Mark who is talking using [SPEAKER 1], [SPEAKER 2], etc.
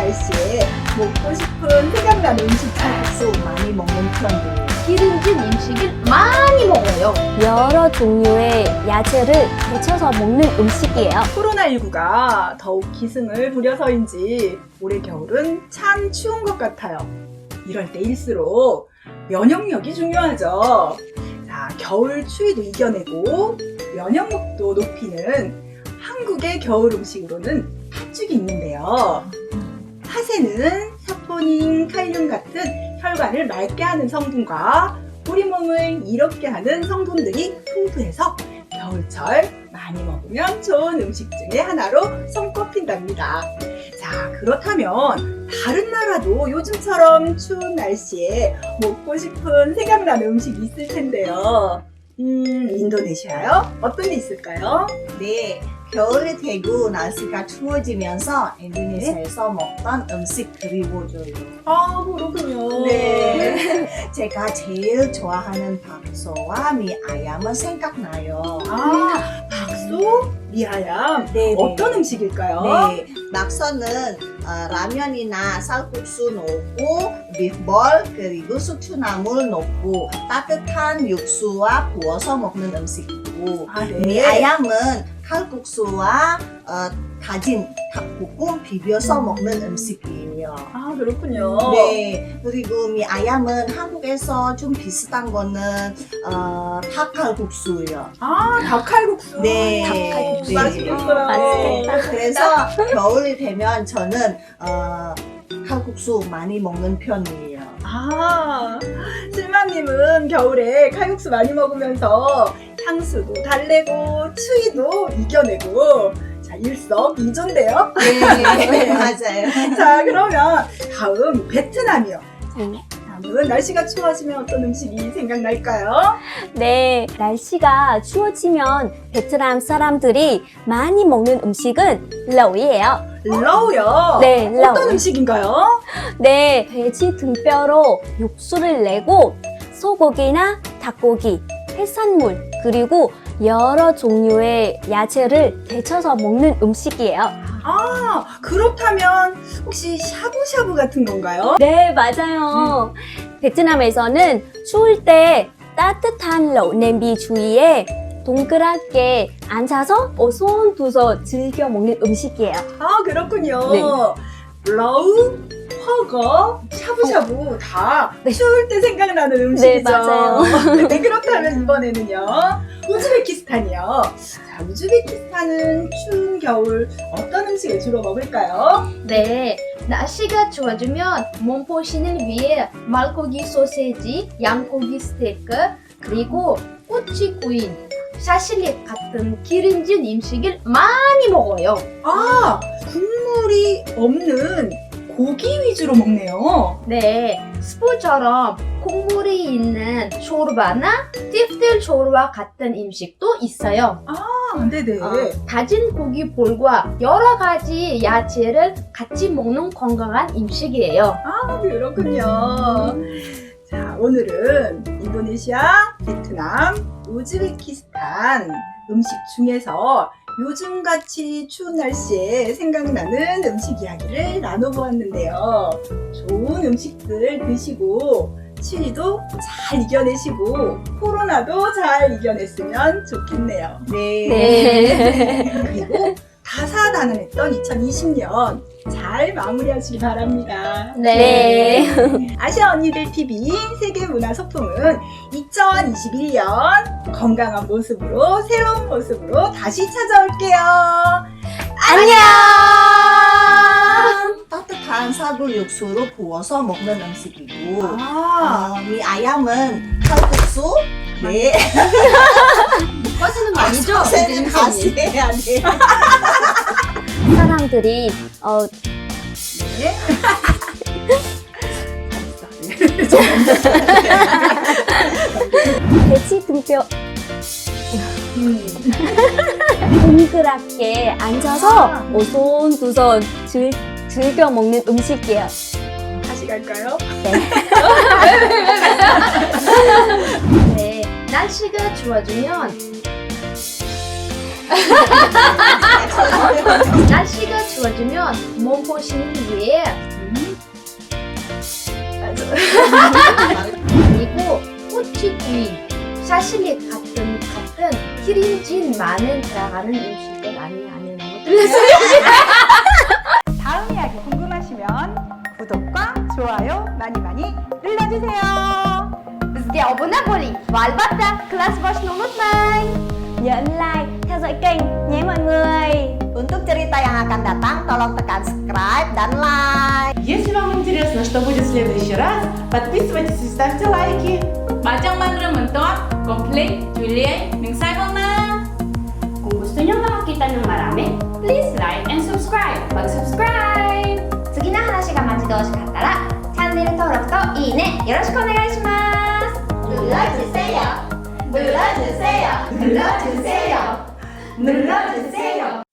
[SPEAKER 1] 날씨에 먹고 싶은 생각나는 음식
[SPEAKER 2] 칼국수 많이 먹는 편이에요.
[SPEAKER 3] 기름진 음식을 많이 먹어요.
[SPEAKER 4] 여러 종류의 야채를 데쳐서 먹는 음식이에요.
[SPEAKER 1] 코로나19가 더욱 기승을 부려서인지 올해 겨울은 참 추운 것 같아요. 이럴 때일수록 면역력이 중요하죠. 자, 겨울 추위도 이겨내고 면역력도 높이는 한국의 겨울 음식으로는 팥죽이 있는데요. 팥에는 사포닌, 칼륨 같은 혈관을 맑게 하는 성분과 우리 몸을 이롭게 하는 성분들이 풍부해서 겨울철 많이 먹으면 좋은 음식 중에 하나로 손꼽힌답니다. 자, 그렇다면 다른 나라도 요즘처럼 추운 날씨에 먹고 싶은 생각나는 음식이 있을 텐데요. 인도네시아요? 어떤 게 있을까요?
[SPEAKER 2] 네, 겨울이 되고 날씨가 추워지면서 인도네시아에서 먹던 음식 그리워져요.
[SPEAKER 1] 아, 그렇군요.
[SPEAKER 2] 네, 제가 제일 좋아하는 박소와 미아얌은 생각나요.
[SPEAKER 1] 아, 박소? 미아얌?
[SPEAKER 2] 네,
[SPEAKER 1] 어떤 음식일까요?
[SPEAKER 2] 네, 낙서는 라면이나 쌀국수 넣고 비프볼 그리고 숙주나물 넣고 따뜻한 육수와 부어서 먹는 음식이고
[SPEAKER 1] 아, 네.
[SPEAKER 2] 미아얌은 칼국수와 다진 닭볶음 비벼서 먹는 음식이에요.
[SPEAKER 1] 아, 그렇군요.
[SPEAKER 2] 네, 그리고 미아얌은 한국에서 좀 비슷한 거는 닭칼국수예요.
[SPEAKER 1] 아, 닭칼국수.
[SPEAKER 2] 네,
[SPEAKER 4] 닭칼국수.
[SPEAKER 1] 맛있겠어요.
[SPEAKER 4] 맛있겠다.
[SPEAKER 2] 그래서 겨울이 되면 저는 칼국수 많이 먹는 편이에요.
[SPEAKER 1] 아, 실마님은 겨울에 칼국수 많이 먹으면서 향수도 달래고 추위도 이겨내고 자, 일석이조인데요.
[SPEAKER 2] 네, 맞아요.
[SPEAKER 1] 자, 그러면 다음 베트남이요.
[SPEAKER 4] 네.
[SPEAKER 1] 다음은 날씨가 추워지면 어떤 음식이 생각날까요?
[SPEAKER 4] 네, 날씨가 추워지면 베트남 사람들이 많이 먹는 음식은 러우예요.
[SPEAKER 1] 러우요.
[SPEAKER 4] 네,
[SPEAKER 1] 어떤
[SPEAKER 4] 러우.
[SPEAKER 1] 음식인가요?
[SPEAKER 4] 네, 돼지 등뼈로 육수를 내고 소고기나 닭고기, 해산물, 그리고 여러 종류의 야채를 데쳐서 먹는 음식이에요.
[SPEAKER 1] 아, 그렇다면 혹시 샤브샤브 같은 건가요?
[SPEAKER 4] 네, 맞아요. 베트남에서는 추울 때 따뜻한 러우 냄비 주위에 동그랗게 앉아서 오손도손 즐겨 먹는 음식이에요.
[SPEAKER 1] 아, 그렇군요.
[SPEAKER 4] 네.
[SPEAKER 1] 러우, 허거, 샤브샤브 다
[SPEAKER 4] 네.
[SPEAKER 1] 추울 때 생각나는 음식이죠.
[SPEAKER 4] 네, 맞아요.
[SPEAKER 1] 네, 그렇다면 이번에는요. 우즈베키스탄이요. 자, 우즈베키스탄은 추운 겨울 어떤 음식을 주로 먹을까요?
[SPEAKER 3] 네, 날씨가 추워지면 몸보신을 위해 말고기 소세지, 양고기 스테이크, 그리고 꼬치 구이, 샤실릭 같은 기름진 음식을 많이 먹어요.
[SPEAKER 1] 아, 국물이 없는 고기 위주로 먹네요.
[SPEAKER 3] 네, 스프처럼 국물이 있는 쇼르바나 띠프들 쇼르바 같은 음식도 있어요.
[SPEAKER 1] 아, 네네.
[SPEAKER 3] 다진 고기 볼과 여러 가지 야채를 같이 먹는 건강한 음식이에요.
[SPEAKER 1] 아, 그렇군요. 자, 오늘은 인도네시아, 베트남, 우즈베키스탄 음식 중에서 요즘같이 추운 날씨에 생각나는 음식 이야기를 나눠보았는데요. 좋은 음식들 드시고 추위도 잘 이겨내시고 코로나도 잘 이겨냈으면 좋겠네요.
[SPEAKER 2] 네.
[SPEAKER 1] 그리고 다사다난했던 2020년 잘 마무리하시기 바랍니다.
[SPEAKER 4] 네.
[SPEAKER 1] 아시아 언니들 TV 세계문화소풍은 2021년 건강한 모습으로 새로운 모습으로 다시 찾아올게요.
[SPEAKER 4] 안녕!
[SPEAKER 2] 따뜻한 사골 육수로 부어서 먹는 음식이고 미아얌은 칼국수 네.
[SPEAKER 3] 꺼지는 거 아니죠?
[SPEAKER 2] 선생님 다시 해야 돼.
[SPEAKER 4] 사람들이
[SPEAKER 1] 네.
[SPEAKER 4] 돼지 등뼈 동그랗게 앉아서 오손도손 즐겨 먹는 음식이에요.
[SPEAKER 1] 다시 갈까요?
[SPEAKER 3] 네, 날씨가 추워지면 날씨가 추워지면 몸보신 위에 그리고 꼬치구이, 샤실릭 같은 기름진 많은 들어가는 음식들 아니에요. 너무 틀렸어요.
[SPEAKER 5] 다음 이야기 궁금하시면 구독과 좋아요 많이 눌러주세요.
[SPEAKER 3] Bizga obuna bo'ling va albatta class boshni unutmang.
[SPEAKER 4] Nhớ ấn like, theo dõi kênh nhé mọi người.
[SPEAKER 2] Untuk cerita yang akan datang, tolong tekan subscribe dan like.
[SPEAKER 6] Если вам интересно, что будет в следующий раз, подписывайтесь и ставьте лайки. Macang mandarin mentor, komplain, Julie, mingsai na.
[SPEAKER 7] Kung gusto nyo makakita ng marami, please like and subscribe. Mag-subscribe!
[SPEAKER 3] 次の話が待ち遠しかったらチャンネル登録といいねよろしくお願いします。
[SPEAKER 2] 눌러주세요. 눌러주세요. 눌러주세요. 눌러주세요.